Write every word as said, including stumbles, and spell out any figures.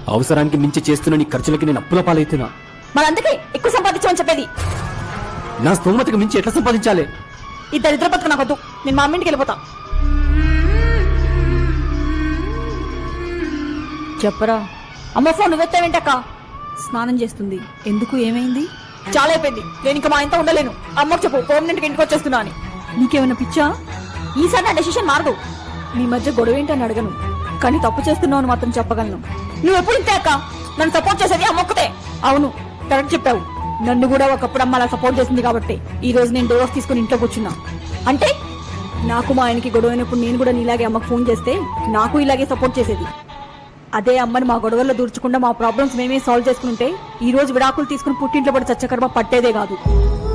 అవసరానికి మించి చేస్తున్న నీ ఖర్చులకి నేను అప్పుల పాలవుతున్నా. మరి అందుకే ఎక్కువ సంపాదించమని చెప్పేది. నా స్తోమతకు మించి ఎట్లా సంపాదించాలి? ఈ దరిద్ర బతుకు నాకొద్దు. నేను మా అమ్మింటికి వెళ్ళిపోతా. చెప్పరా. అమ్మ ఫోన్ నువ్వెత్తావేంటక్క? స్నానం చేస్తుంది. ఎందుకు, ఏమైంది? చాలా అయిపోయింది, నేను ఇంకా మా ఇంత ఉండలేను. అమ్మకు చెప్పు పర్మనెంట్గా ఇంటికి వచ్చేస్తున్నా అని. నీకేమైనా పిచ్చా? ఈసారి నా డెసిషన్ మారదు. మీ మధ్య గొడవ ఏంటని అడగను, కానీ తప్పు చేస్తున్నావు అని మాత్రం చెప్పగలను. నువ్వు ఎప్పుడు ఇంతే అక్క. నన్ను సపోర్ట్ చేసేది అమ్మొక్కతే. అవును, కరెక్ట్ చెప్పావు. నన్ను కూడా ఒకప్పుడు అమ్మ అలా సపోర్ట్ చేసింది కాబట్టి ఈ రోజు నేను డోర్స్ తీసుకుని ఇంట్లో కూర్చున్నా. అంటే నాకు మా ఆయనకి గొడవ అయినప్పుడు నేను కూడా నీలాగే అమ్మకు ఫోన్ చేస్తే నాకు ఇలాగే సపోర్ట్ చేసేది. అదే అమ్మని మా గొడవల్లో దూర్చకుండా మా ప్రాబ్లమ్స్ మేమే సాల్వ్ చేసుకుంటే ఈ రోజు విడాకులు తీసుకుని పుట్టింట్లో పడి చచ్చకర్మ పట్టేదే కాదు.